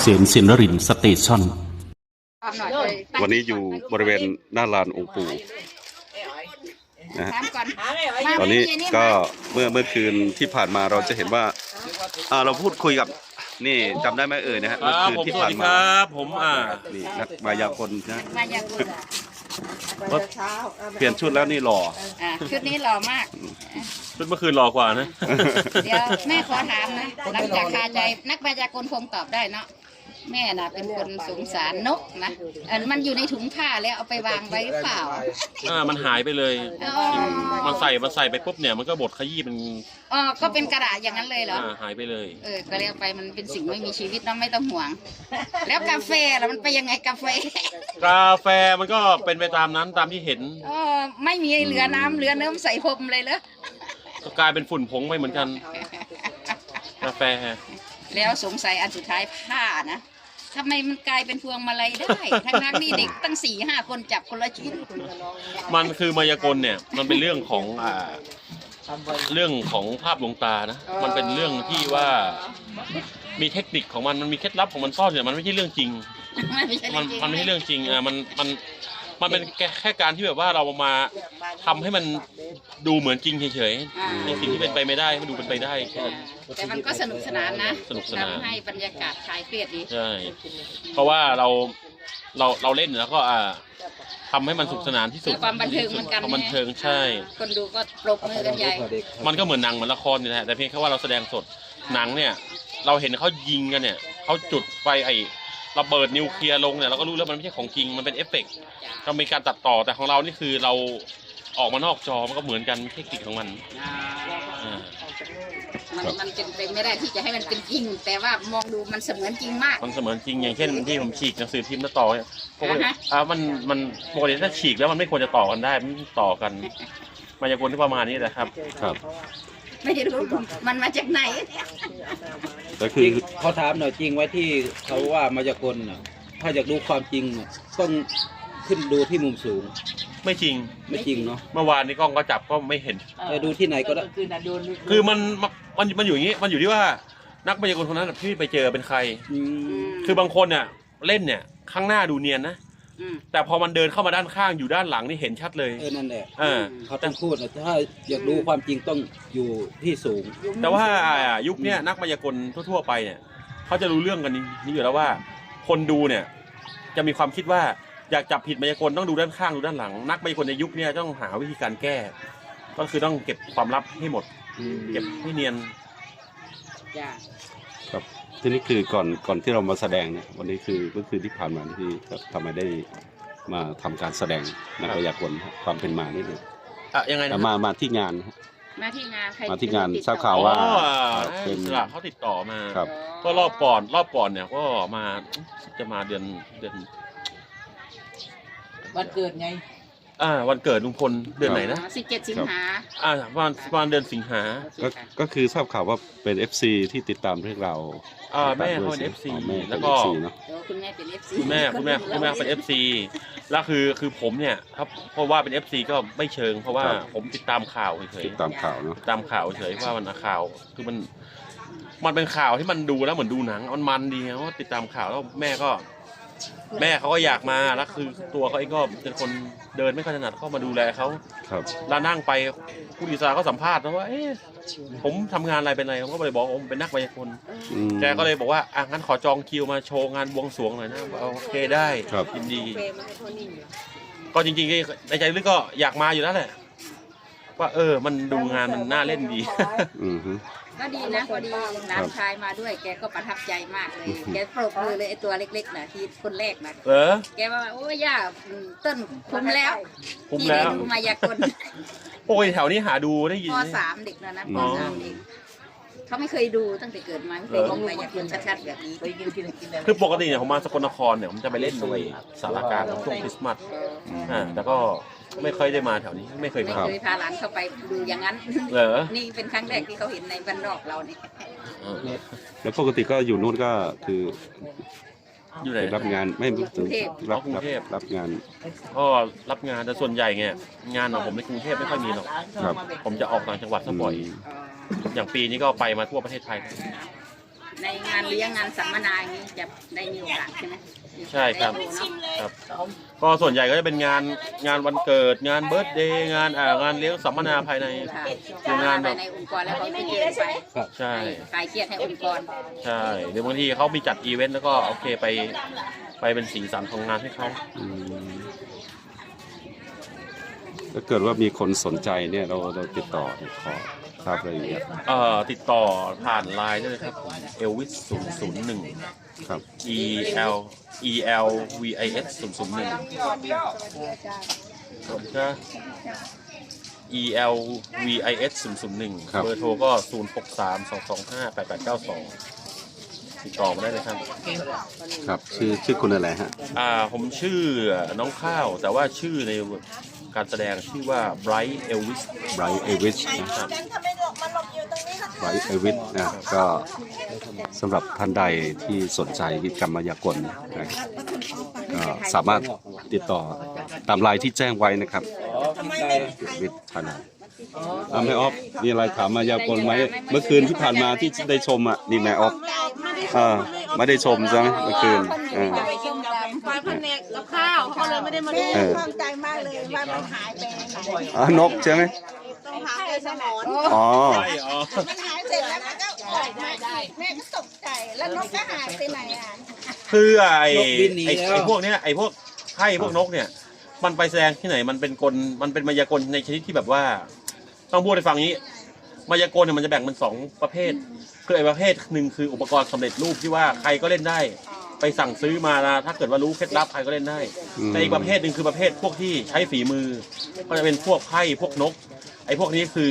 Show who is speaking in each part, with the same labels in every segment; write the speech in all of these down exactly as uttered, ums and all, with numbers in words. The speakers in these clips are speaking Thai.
Speaker 1: ษมศินรินทร์สเตชัน
Speaker 2: วันนี้อยู่บริเวณหน้าลานองค์ปู่นะฮะตอนนี้ก็เมื่อเมื่อคืนที่ผ่านมาเราจะเห็นว่าอ่าเราพูดคุยกับนี่จำได้ไหมเอ่ยนะฮะเมื่อคืนที่ผ่านมา
Speaker 3: ผมอ่า
Speaker 2: นี่นักมายากลนะ
Speaker 4: มายากล
Speaker 2: เปลี่ยนชุดแล้วนี่หล่อ
Speaker 4: อ่าชุดนี้หล่อมาก
Speaker 3: ชุดเมื่อคืนรอกว่านะ
Speaker 4: เดี๋ยวแม่ขอถามนะหลังจากคาใจนักมายากลคงตอบได้เนาะแม่น่ะเป็นคนสงสารนกนะเออมันอยู่ในถุงผ้าแล้วเอาไปวางไว้หรือเปล่า
Speaker 3: อ่ามันหายไปเลย
Speaker 4: อ๋อ
Speaker 3: มันใส่มันใส่ไปปุ๊บเนี่ยมันก็บดขยี้เป็น
Speaker 4: อ๋อก็เป็นกระดาษอย่างนั้นเลยเหรอ
Speaker 3: อ่าหายไปเลย
Speaker 4: เออก็เรียกไปมันเป็นสิ่งไม่มีชีวิตเนาะไม่ต้องห่วง แล้วกาแฟล่ะมันไปยังไงกาแฟ
Speaker 3: กาแฟมันก็เป็นไปตามนั้นตามที่เห็น
Speaker 4: อ๋อไม่มีเหลือน้ำเหลือเนื้อใส่พรมเลยเหรอ
Speaker 3: ก็กลายเป็นฝุ่นผงไปเหมือนกันกาแฟ
Speaker 4: แล้วสงสัยอันสุดท้ายผ้านะทำไมมันกลายเป็นพวงมาลัยได้ทั้งนั้นนี่เด็กตั้งสี่ห้าคนจับคนละชิ้น
Speaker 3: มันคือมายากลเนี่ยมันเป็นเรื่องของอ่าเรื่องของภาพลวงตานะมันเป็นเรื่องที่ว่ามีเทคนิคของมันมันมีเคล็ดลับของมันซ่อนอยู่มันไม่ใช่เรื่องจริง
Speaker 4: ไม่ใช่
Speaker 3: มัน
Speaker 4: เรื่องจริง
Speaker 3: มันไม่ใช่เรื่องจริงอ่ะมันมันมันเป็นแค่แค่การที่แบบว่าเรามาทำให้มันดูเหมือนจริงเฉย
Speaker 4: อ่า
Speaker 3: ๆในสิ่งที่เป็นไปไม่ได้ให้มันดูเป็นไปได้แค่นั้น
Speaker 4: แต่มันก็สนุกสนานนะ
Speaker 3: สนุกสนาน
Speaker 4: ทำให้บรรยากาศคลายเครียดดี
Speaker 3: ใช่เพราะว่าเราเราเราเล่นแล้วก็อ่าทำให้มันสนุกสนานที่สุด
Speaker 4: เพื่อความบันเทิงเหมือนกัน
Speaker 3: ความบันเทิงใช่
Speaker 4: คนดูก็ปรบมือกันใหญ่
Speaker 3: มันก็เหมือนหนังเหมือนละครนี่แหละแต่เพียงแค่ว่าเราแสดงสดหนังเนี่ยเราเห็นเขายิงกันเนี่ยเขาจุดไฟไอ้ระเบิดนิวเคลียร์ลงเนี่ยเราก็รู้แล้วมันไม่ใช่ของจริงมันเป็นเอฟเฟกต์เรามีการตัดต่อแต่ของเรานี่คือเราออกมานอกจอมันก็เหมือนกันเทคนิคของมันอ่า
Speaker 4: มันมันเป็นไปไม่ได้ที่จะให้มันเป็นจริง แต่ว่ามองดูมันเสมือนจริงมาก
Speaker 3: มันเสมือนจริงอย่างเช่นที่ผมฉีกหนังสือพิมพ์แล้วต่อเนี่ยปกติ
Speaker 4: อ่าฮะ
Speaker 3: อ่ามันมันปกติถ้าฉีกแล้วมันไม่ควรจะต่อกันได้มันต่อกันมายากลที่ประมาณนี้แหละครับ
Speaker 2: ครับ
Speaker 4: ไม่รู้มันมาจากไหน
Speaker 2: ก็คื
Speaker 5: จ
Speaker 2: อ
Speaker 5: ริงเขาถามหน่อยจริงไว้ที่เขาว่ามายากลน่ะถ้าอยากดูความจริงน่ะต้องขึ้นดูที่มุมสูง
Speaker 3: ไม่จริง
Speaker 5: ไม่จริงเนาะ
Speaker 3: เมื่อวานนี้กล้องก็จับก็ไม่เห็น
Speaker 5: แต่ดูที่ไหนก็ได้
Speaker 3: คือมันมันมันอยู่อย่างนี้มันอยู่ที่ว่านักมายากลคนนั้นนะพี่ไปเจอเป็นใคร
Speaker 5: อืม
Speaker 3: คือบางคนเนี่ยเล่นเนี่ยข้างหน้าดูเนียนนะ
Speaker 4: อืม
Speaker 3: แต่พอมันเดินเข้ามาด้านข้างอยู่ด้านหลังนี่เห็นชัดเลย
Speaker 5: เออนั่นแหละ
Speaker 3: อ่า
Speaker 5: เขาต้องพูดนะถ้าอยากดูความจริงต้องอยู่ที่สูง
Speaker 3: แต่ว่ายุคเนี้ยนักมายากลทั่วๆไปเนี่ยเขาจะรู้เรื่องกันนี้อยู่แล้วว่า คนดูเนี่ยจะมีความคิดว่าอยากจับผิดมายากลต้องดูด้านข้างดูด้านหลัง นักมายากลในยุคเนี้ยต้องหาวิธีการแก้ ก็คือต้องเก็บความลับให้หมด เก็บให้เนียน
Speaker 4: จ้ะ
Speaker 2: ครับที่นี่คือก่อนก่อนที่เรามาแสดงเนี่ยวันนี้คือเมื่อคืนที่ผ่านมาที่ทำไมได้มาทำการแสดงนักมายากลครับความเป็นมานี่เลย
Speaker 3: อ่ะยังไงนะ
Speaker 2: มามาที่งานนะฮะ
Speaker 4: มาที่งานใคร
Speaker 2: มาที่งาน
Speaker 4: ติด
Speaker 2: ทราบ
Speaker 4: ต่อ
Speaker 2: ข่าว
Speaker 3: อ๋อ
Speaker 2: ว่า
Speaker 3: อิสระเขาติดต่อมา
Speaker 2: ครับ
Speaker 3: ก็รอบก่อนรอบก่อนเนี่ยก็มาจะมาเดือนเดือน
Speaker 6: วันเกิดไง
Speaker 3: อ่าวันเกิดลุงพลเดือนไหนนะ
Speaker 4: สิบเจ็ดสิงหา
Speaker 3: อ่าประมาณประมาณเดือนสิงหา
Speaker 2: ก็ก็คือทราบข่าวว่าเป็น เอฟ ซี ที่ติดตามเรื่องราว
Speaker 3: อ่าแม่เขาเป็นเอฟซี
Speaker 2: อ๋อแม่
Speaker 3: แล้ว
Speaker 2: เป็น
Speaker 3: ก็
Speaker 2: เอฟซีเนาะ
Speaker 4: เดี๋ยวคุณแม่เป็นเอฟซี
Speaker 3: คุณแม่คุณแม่คุณแม่เป็นเอฟซีแล้วคือคือผมเนี่ยครับเพราะว่าเป็นเอฟซีก็ไม่เชิง เพราะว่าผมติดตามข่าวเฉย
Speaker 2: ติดตามข่าวเนาะ
Speaker 3: ๆติดตามข่าวเฉยว่ามันข่าวคือมันมันเป็นข่าวที่มันดูแล้วเหมือนดูหนังมันมันดีเพราะว่าติดตามข่าวแล้วแม่ก็ แม่เขาก็อยากมาแล้วคือตัวเขาเองก็เป็นคนเดินไม่ค่อยถนัดเข้ามาดูแลเขา
Speaker 2: ครับ
Speaker 3: แล้วนั่งไปผู้ดีไซน์ก็สัมภาษณ์นะว่าเอ๊ะผมทำงานอะไรเป็นอะไรผมก็เลยบอกว่าผมเป็นนักมายากล
Speaker 2: อืม
Speaker 3: แกก็เลยบอกว่าอ่ะงั้นขอจองคิวมาโชว์งานบวงสรวงหน่อยนะโอเคได้
Speaker 2: ครับ
Speaker 3: ยินดี ก็จริงๆในใจลึกก็อยากมาอยู่แล้วแหละว่าเออมันดูงานมันน่าเล่นดี
Speaker 2: อืมฮึ
Speaker 4: ก็ดีนะพอดีหลานชายมาด้วย แกก็ประทับใจมากเลย แกปรบมือเลยไอตัวเล็กๆนะที่คนแรกนะ
Speaker 3: เออ
Speaker 4: แกว่าโอ้ยย่าต้นคุ้มแล้ว
Speaker 3: คุ้ม
Speaker 4: ที่
Speaker 3: แล้
Speaker 4: ได้
Speaker 3: ว
Speaker 4: ดูมายากล
Speaker 3: โอ้ยแถวนี้หาดูได้ยิน
Speaker 4: ป
Speaker 3: ไหม
Speaker 4: สามเด็กแล้วนะป
Speaker 3: อ๋อ
Speaker 4: สามเด็กเขาไม่เคยดูตั้งแต่เกิดมาไม่เคยเห็นมายากลชัดๆแบบนี้
Speaker 6: ไปกินกินกินอะไร
Speaker 3: คือปกติเนี่ยผมมาสกลนครเนี่ยผมจะไปเล่นในสารกลางช่วงคริสต์มาสอ่าแต่ก็ไม่ค่อยได้มาแถวนี้ไม่เคย
Speaker 4: ไม่
Speaker 3: มา
Speaker 4: เคยพาหลานเข้าไปดูอย่างนั้น
Speaker 3: เหรอ
Speaker 4: นี่เป็นครั้งแรกที่เขาเห็นในบ้านนอกเราเนี่ย
Speaker 3: เออ
Speaker 2: แล้วปกติก็อยู่นู่นก็คือ
Speaker 3: อยู่ไหน
Speaker 2: ไปรับงานไม่ถึงรับ
Speaker 3: กรุง
Speaker 2: รับ
Speaker 3: เทพ
Speaker 2: รับงาน
Speaker 3: ก็รับงานแต่ส่วนใหญ่เนี่ยงานของผมในกรุงเทพไม่ค่อยมีหรอก
Speaker 2: ครับ
Speaker 3: ผมจะออกต่างจังหวัดซะบ่อย อย่างปีนี้ก็ไปมาทั่วประเทศไทย
Speaker 4: ในงานเลี้ยงงานสัมมนาอย่างนี้จะได้มีโอกาสใช่ไหม
Speaker 3: ใช่ครับ
Speaker 4: ได้ดูเนอะ
Speaker 3: ครับก็ส่วนใหญ่ก็จะเป็นงานงานวันเกิดงานเบิร์ธเดย์งานอ่างานเลี้ยงสัมมนาภายใน
Speaker 4: ค่ะ
Speaker 3: คืองานแบบ
Speaker 4: ในองค์กรแล้วเขาไปเจอไป
Speaker 3: ใช่
Speaker 4: คลายเครียดให้องค์กร
Speaker 3: ใช่หรือบางทีเขามีจัดอีเวนต์แล้วก็โอเคไปไปเป็นสีสันของงานให้เขา
Speaker 2: อืมถ้าเกิดว่ามีคนสนใจเนี่ยเราเราติดต่อเนี่ยขอทราบรายละเอียด
Speaker 3: เอ่อติดต่อผ่านไลน์ได้เลยครับเอลวิสศูนย์ศูนย์หนึ่ง
Speaker 2: ครับ
Speaker 3: E L E L V I S ศูนย์ศูนย์หนึ่งก็ E L V I S ศูนย์ศูนย์หนึ่ง
Speaker 2: ครับ
Speaker 3: เบอร์โทรก็ศูนย์หกสามสองสองห้าแปดแปดเก้าสองติดต่อมาได้เลยครับ
Speaker 2: ครับชื่อชื่อคุณอะไรฮะ
Speaker 3: อ่าผมชื่อน้องข้าว แต่ว่าชื่อในการแสดงชื่อว่า Bright Elvis
Speaker 2: ไบรท์เอวิชนะครับ ไบรท์เอวิชนะก็สำหรับท่านใดที่สนใจกิจกรรมมายากลนะครับก็สามารถติดต่อตามไลน์ที่แจ้งไว้นะครับ
Speaker 5: อ๋อพี่ไก่
Speaker 2: วิทย์ธนาอ่าแม่ออฟมีอะไรถามมายากลไหมเมื่อคืนที่ผ่านมาที่ได้ชมอ่ะนี่แม่ออฟอ่าไม่ได้ชมใช่ไหมเมื่อคืนอ่า
Speaker 1: ควายพันเนกกับข้าวเขาเลยไม่ได้มาดู
Speaker 2: เออ
Speaker 1: ข้องใจมากเลยว่ามันหายไปไหน
Speaker 2: อ่านกใช่ไหม
Speaker 1: ต้องหาไปสมอน
Speaker 2: อ๋อ
Speaker 3: ใช่อ๋อ
Speaker 1: มันหายเสร็จแล้วมันก็ออกมาแม่ก็ตกใจแล้วนกก็หายไปไหนอ่ะ
Speaker 3: คือไอ้ไอ้ไอ้พวกเนี้ยไอ้พวกไพ่พวกนกเนี่ย มันไปแสดงที่ไหนมันเป็นกลมันเป็นมายากลในชนิดที่แบบว่า ต้องพูดให้ฟังนี้ มายากลเนี่ยมันจะแบ่งเป็นสองประเภทคือไอ้ประเภทหนึ่งคืออุปกรณ์สำเร็จรูปที่ว่าใครก็เล่นได้ ไปสั่งซื้อมานะถ้าเกิดว่ารู้เคล็ดลับใครก็เล่นได้
Speaker 2: อืม
Speaker 3: แต่อีกประเภทหนึ่งคือประเภทพวกที่ใช้ฝีมือ ก็จะเป็นพวกไพ่พวกนก ไอ้พวกนี้คือ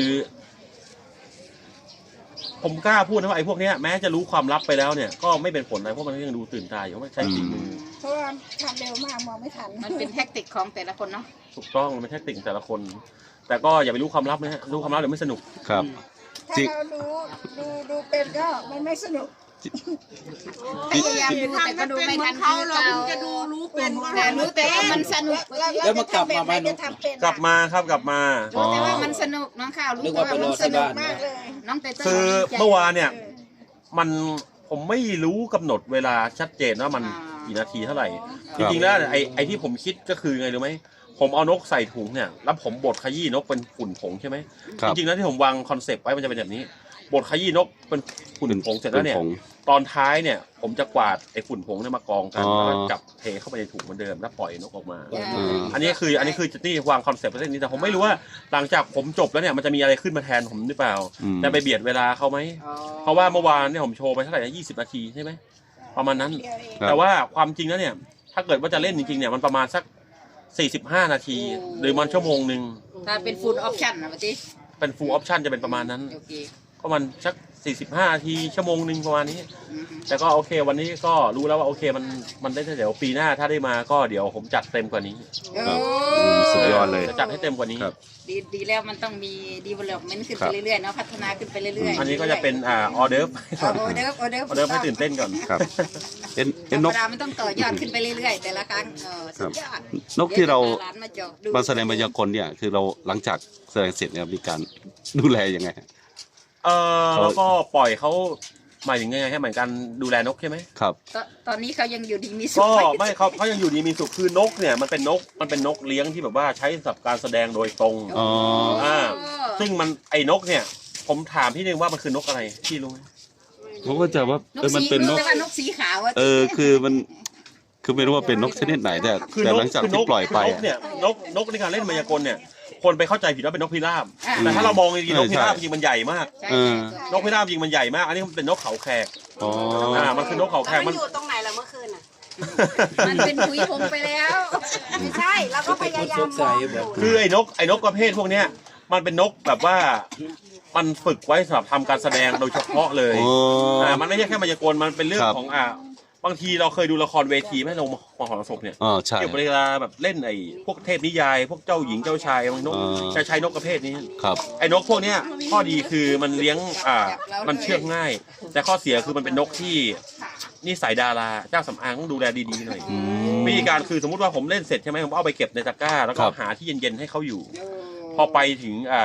Speaker 3: ผมกล้าพูดนะว่าไอ้พวกเนี้ยแม้จะรู้ความลับไปแล้วเนี่ยก็ไม่เป็นผลอะไรเพราะมันก็ยังดูตื่นตาอยู่เพราะมันใช้ฝีมือ
Speaker 1: เพราะว่าทำเร็วมากมองไม่ทัน
Speaker 4: มันเป็นแทคติกของแต่ละคนเนาะ
Speaker 3: ถูกต้องมันเป็นแค่ติ่งแต่ละคน แต่ก็อย่าไปรู้ความลับนะฮะรู้ความลับเดี๋ยวไม่สนุก
Speaker 2: ครับ
Speaker 1: ถ้า
Speaker 2: จริง
Speaker 1: เราดูดูดูเป็นก็มันไม่สนุก
Speaker 4: พยายามดูแต่ก็ดูไม่ทันคือเราจะดูรู้เป็นแต่รู้แต่ว่ามันสนุก
Speaker 5: แล้วมากลับมาไหมน
Speaker 1: จะ
Speaker 5: ก
Speaker 1: ทำเป็น
Speaker 3: กลับมาครับกลับมา
Speaker 4: รู้แต่ว่ามันสนุกน้องข้าวรู้
Speaker 5: นึก
Speaker 4: แต่
Speaker 5: ว่า
Speaker 4: ว่า
Speaker 5: ไปร
Speaker 4: มั
Speaker 5: อน
Speaker 4: ส
Speaker 5: ที่
Speaker 4: นุ
Speaker 5: บ้าก น
Speaker 1: มากเลย
Speaker 4: น้องเต้เต้
Speaker 3: คือเมื่อวานเนี่ย มันผมไม่รู้กำหนดเวลาชัดเจนว่ามันกี่นาทีเท่าไหร่ จริงๆแล้วไอ้ไอ้ที่ผมคิดก็คือไงรู้ไหมผมเอานกใส่ถุงเนี่ยแล้วผมบดขยี้นกเป็นฝุ่นผงใช่ไหม
Speaker 2: ครับ
Speaker 3: จริงๆแล้วที่ผมวางคอนเซปต์ไว้มันจะเป็นแบบนี้บดขยี้นกเป็นฝุ่นผงเสร็จแล้วเนี่ย
Speaker 2: ผง
Speaker 3: ตอนท้ายเนี่ยผมจะกวาดไอ้ฝุ่นผงเนี่ยมากองกัน
Speaker 2: อ๋อ
Speaker 3: แล้วก็จับเทเข้าไปในถุงเหมือนเดิมแล้วปล่อยนกออกมา
Speaker 2: อืม
Speaker 3: อันนี้คืออันนี้คือจะนี่วางคอนเซ็ปต์ไว้เส้นนี้แต่ผมไม่รู้ว่าหลังจากผมจบแล้วเนี่ยมันจะมีอะไรขึ้นมาแทนผมหรือเปล่า
Speaker 2: อืม
Speaker 3: จะไปเบียดเวลาเขาไหม เพราะว่าเมื่อวานเนี่ยผมโชว์ไปเท่าไหร่นะยี่สิบนาทีใช่ไหมประมาณนั้น
Speaker 1: เดียวเอง
Speaker 2: ครับ
Speaker 3: แต่ว่าความจริงแล้วเนี่ย ถ้าเกิดว่าจะเล่นจริงๆเนี่ยมันประมาณสักสี่สิบห้านาที หรือมันชั่วโมงหนึ่ง
Speaker 4: ถ้าเป็นฟูลออปชั่นนะปะติ
Speaker 3: เป็น full option จะเป็นประมาณนั้น
Speaker 4: โอเค
Speaker 3: ก็มันสักสี่สิบห้านาทีชั่วโมงหนึ่งประมาณนี้
Speaker 4: อืม
Speaker 3: แต่ก็โอเควันนี้ก็รู้แล้วว่าโอเคมันมันได้เดี๋ยวปีหน้าถ้าได้มาก็เดี๋ยวผมจัดเต็มกว่านี้
Speaker 2: ครับอืมสุดยอดเลย
Speaker 3: จะจัดให้เต็มกว่านี้
Speaker 2: ครับ
Speaker 4: ดีดีแล้วมันต้องมี development ขึ้น
Speaker 2: ครั
Speaker 4: ไป
Speaker 2: บ
Speaker 4: เรื่อยๆเนาะพัฒนาขึ้นไปเรื่อยๆ
Speaker 3: อันนี้ก็จะเป็นอ่าออเดิร์ฟ
Speaker 4: เอาออเดิร์ฟออเดิร์ฟ
Speaker 3: ออเดิร์ฟให้ตื่นเต้นก่อน
Speaker 2: ครับเอ็น
Speaker 4: ธ
Speaker 2: เอ็
Speaker 4: ร
Speaker 2: น
Speaker 4: ร
Speaker 2: น
Speaker 4: ม
Speaker 2: ก
Speaker 4: ดามันต้องต่อยอดขึ้นไปเรื่อยๆ แต่ละครั้งเออสุดยอด
Speaker 2: นกที่เรา
Speaker 4: ดี๋ยวจะพหลนมาเจาะดู
Speaker 2: มาแสดงมายากลเนี่ยคือเราหลังจากแสดงเสร็จเนี่ยมีการดูแลยังไงฮะ
Speaker 3: เออ
Speaker 2: เขา
Speaker 3: แล้วก็ปล่อยเขาหมายถึงยังไงให้เหมือนกันดูแลนกใช่ไหม
Speaker 2: ครับ
Speaker 4: ตอนตอนนี้เขายังอยู่ดีมีสุข
Speaker 3: ก็
Speaker 4: ไหม
Speaker 3: ไม่เขาเขายังอยู่ดีมีสุขคือนกเนี่ยมันเป็นนกมันเป็นนกเลี้ยงที่แบบว่าใช้สำหรับการแสดงโดยตรง
Speaker 2: อ๋อ
Speaker 3: อ่า ซึ่งมันไอ้นกเนี่ย ผมถามพี่นึงว่ามันคือนกอะไรพี่รู้ไหม
Speaker 2: ผมก็จะว่าน เออมัน
Speaker 4: สี
Speaker 2: เป็นน
Speaker 4: รู้
Speaker 2: ก
Speaker 4: แต่ว่านกสีขาวอะ
Speaker 2: เออคือมันคือไม่รู้ว่าเป็นนกชนิดไหนแต่
Speaker 3: คือ
Speaker 2: แต่
Speaker 3: นก
Speaker 2: หลังจาก
Speaker 3: คื
Speaker 2: ที่ปล่อยไป
Speaker 3: คืนก
Speaker 2: อะ
Speaker 3: เนี่ยนกนกในการเล่นมายากลเนี่ยคนไปเข้าใจผิดว่าเป็นนกพิราบ
Speaker 4: อ่า
Speaker 3: แต่ถ้าเรามองจริงๆนกพิราบ
Speaker 2: ใช่
Speaker 3: จริงๆมันใหญ่มาก
Speaker 4: ใช่
Speaker 2: เออ
Speaker 4: ใช่
Speaker 3: นกพิราบจริงๆมันใหญ่มาก อันนี้มันเป็นนกเขาแขก
Speaker 2: อ๋อ
Speaker 3: อ่ามันคือนกเขาแข
Speaker 1: แล้ว
Speaker 3: ก
Speaker 1: มั
Speaker 3: มัน น
Speaker 1: อยู่ตรงไหนล่ะเมื่อคืนอ่ะ
Speaker 4: มันเป็นถุยพงไปแล้ว
Speaker 1: ไม่ใช่เราก็พยายามมองอยู่
Speaker 3: คือไอ้นกไอ้นกประเภทพวกเนี้ยมันเป็นนกแบบว่ามันฝึกไว้สำหรับทำการแสดงโดยเฉพาะเลย
Speaker 2: โอ้
Speaker 3: อ่ามันไม่ใช่แค่มายากลมันเป็นเรื่อง
Speaker 2: ครับ
Speaker 3: ของอ่าบางทีเราเคยดูละครเวทีไหมลงมหรสพเนี่ย
Speaker 2: อ๋อใช่
Speaker 3: เกี่ยวกับเวลาแบบเล่นไอ้พวกเทพนิยาย พวกเจ้าหญิงเจ้าชายบางนก
Speaker 2: อ่า
Speaker 3: จะใช้นกประเภทนี้
Speaker 2: ครับ
Speaker 3: ไอ้นกพวกเนี้ยข้อดีคือมันเลี้ยงอ่ามันเชื่องง่าย แต่ข้อเสียคือมันเป็นนกที่นิสัยดาราเจ้าสำอางต้องดูแลดีๆหน่อย
Speaker 2: อืม
Speaker 3: วิธีการคือสมมติว่าผมเล่นเสร็จใช่ไหมผมเอาไปเก็บในตะกร้า แล้วก็
Speaker 2: ครับ
Speaker 3: หาที่เย็นๆให้เขาอยู่
Speaker 4: เออ
Speaker 3: พอไปถึงอ่า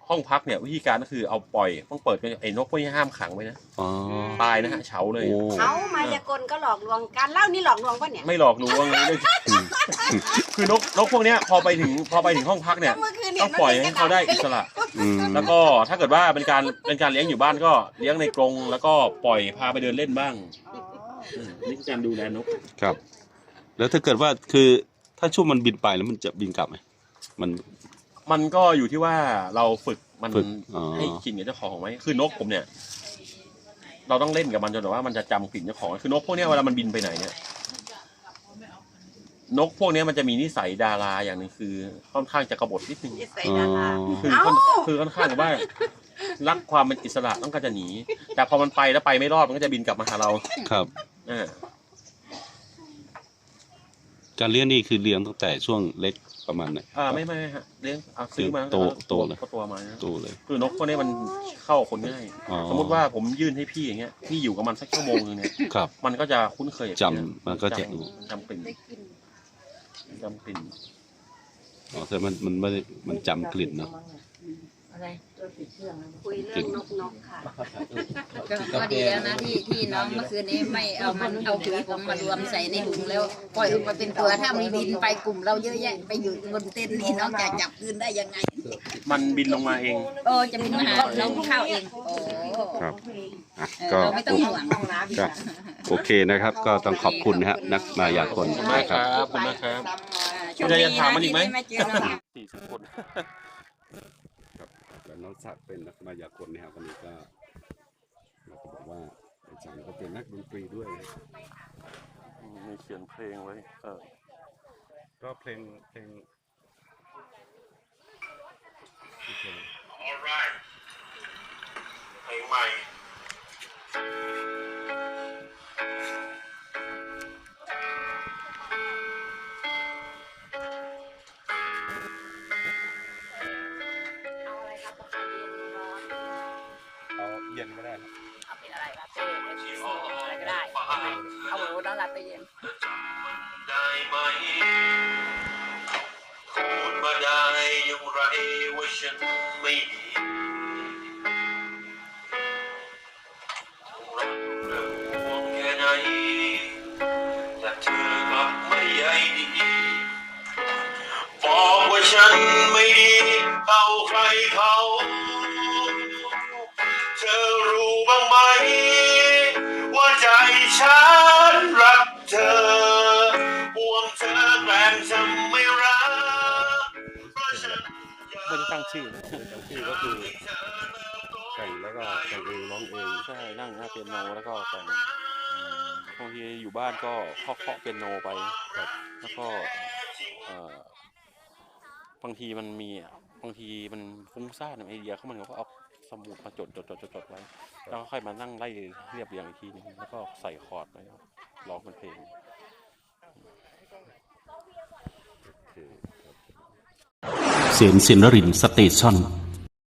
Speaker 3: ห้องพักเนี่ยวิธีการก็คือเอาปล่อยต้องเปิดไอ้นกพวกนี้ห้ามขังไว้นะ
Speaker 2: อ๋อ
Speaker 3: ตายนะฮะเฉาเลย
Speaker 2: โอ้
Speaker 1: เขามายากลก็หลอกลวงการเล่านี่หลอกลวงปะเนี่ย
Speaker 3: ไม่หลอกลวงเลยคือนกนกพวกเนี้ยพอไปถึงพอไปถึงห้องพักเนี่ย
Speaker 1: เมื่อคืนเนี่ย
Speaker 3: ต้องปล่อยให้เขาได้อิสระ
Speaker 2: อืม
Speaker 3: แล้วก็ถ้าเกิดว่าเป็นการเป็นการเลี้ยงอยู่บ้านก็เลี้ยงในกรงแล้วก็ปล่อยพาไปเดินเล่นบ้างอืมนี่คือการดูแลนก
Speaker 2: ครับ แล้วถ้าเกิดว่าคือถ้าช่วงมันบินไปแล้วมันจะบินกลับไหมมัน
Speaker 3: มันก็อยู่ที่ว่าเราฝึกมัน
Speaker 2: ฝึกอ๋อ
Speaker 3: ให้กลิ่นกับเจ้าของไหมคือนกผมเนี่ย เราต้องเล่นกับมันจนแบบว่ามันจะจำกลิ่นเจ้าของคือนกพวกเนี้ยเวลามันบินไปไหนเนี่ยนกพวกเนี้ยมันจะมีนิสัยดาราอย่างหนึงคือค่อนข้างจะกบฏนิดนึง
Speaker 1: ใส่
Speaker 2: อ๋อ
Speaker 1: ดารา
Speaker 3: คือค่อนคือค่อนข้างว่ารักความเป็นอิสระต้องการจะหนี แต่พอมันไปแล้วไปไม่รอดมันก็จะบินกลับมาหาเรา
Speaker 2: ครับ
Speaker 3: อ่า
Speaker 2: การเลี้ยงนี่คือเลี้ยงตั้งแต่ช่วงเล็กประมาณไหน
Speaker 3: อ่าไม่ไม่ไม่ฮะเลี้ยงเอาซื้อมา
Speaker 2: โตโตเลย
Speaker 3: ก็ตัวมานะ
Speaker 2: ตัวเลย
Speaker 3: คือนกพวกนี้มันเข้าคนง่าย
Speaker 2: อ๋อ
Speaker 3: สมมติว่าผมยื่นให้พี่อย่างเงี้ยพี่อยู่กับมันสักชั่วโมงนึงเนี่ย
Speaker 2: ครับ
Speaker 3: มันก็จะคุ้นเคยกับ
Speaker 2: จำ
Speaker 3: พี่
Speaker 2: มันก็จะ
Speaker 3: จำจำกลิ่นจำกลิ่น
Speaker 2: อ๋อแต่มันมันไม่ได้มันจำกลิ่นเนาะ
Speaker 1: คุยเรื่องนกนกค่ะ
Speaker 4: ก็ก็ดีแล้วนะที่ที่น้องเมื่อคืนนี้ไม่เอามันเอาปุ๋ยผมมารวมใส่ในถุงแล้วปล่อยออกมาเป็นตัวถ้ามีบินไปกลุ่มเราเยอะแยะไปอยู่บนเต็นท์นี่น้องจะจับคืนได้ยังไง
Speaker 3: มันบินลงมาเอง
Speaker 4: โอ้จะบินมาหาน้องข้าวเองโอ้
Speaker 2: ครับอ่ะ
Speaker 4: เออ
Speaker 2: ก็
Speaker 4: เราไม่ต้องห่วง
Speaker 2: ก็โอเคนะครับ ก็ต้องขอบคุณนะฮะนักมายากล
Speaker 3: ขอบคุณมาก
Speaker 2: นะ
Speaker 3: ค
Speaker 2: ค
Speaker 3: รั
Speaker 2: รั
Speaker 3: บบ ขอบคุณมากครับ
Speaker 4: ช่วง
Speaker 3: มีอะไร
Speaker 4: นี้
Speaker 3: จะถามมันอีกไหม
Speaker 4: ที่ด้เจอน้อง
Speaker 3: สี่สิบคน
Speaker 2: ครับแล้วน้องศักดิ์เป็นนักมายากลนะครับวันนี้ก็เราก็บอกว่าอาจารย์ก็เป็นนักดนตรีด้วยนะ
Speaker 3: มีเขียนเพลงไว้เออ
Speaker 2: ก็เพลงเพลงเพลง
Speaker 3: alright เพลงใหม่
Speaker 2: เอาเย็นก็ได้ครับ
Speaker 4: เอาเป็นอะไรลาเต้เอสโซ่อะไรก็ได้ เอาหมูน้องลาเต้เย็น
Speaker 3: ได้ไหมพูดมาได้อย่างไรว่าฉันไม่ดีรักเธอห่วงแค่ไหนแต่เธอกลับไม่ใยดีบอกว่าฉันไม่ดีเท่าใครเขาเธอรู้บ้างไหมว่าใจฉันรักเธอห่วงเธอแกล้งทำไม่รักเพราะฉันไม่ได้ตั้งชื่อนะตั้งชื่อก็คือแต่งแล้วก็แต่งเองร้องเองใช่นั่งหน้าเปียโนแล้วก็แต่งบางทีอยู่บ้านก็เคาะเคาะเปียโนไปครับแล้วก็เอ่อบางทีมันมีอ่ะบางทีมันฟุ้งซ่านไอเดียเขามันก็เอาสมุดมาจดจดจดจดจดไว้แล้วก็ค่อยมานั่งไล่เรียบเรียงอีกทีนึงแล้วก็ใส่คอร์ดไว้ร้องเป็นเพลง
Speaker 2: เสียงสินรินสเตชัน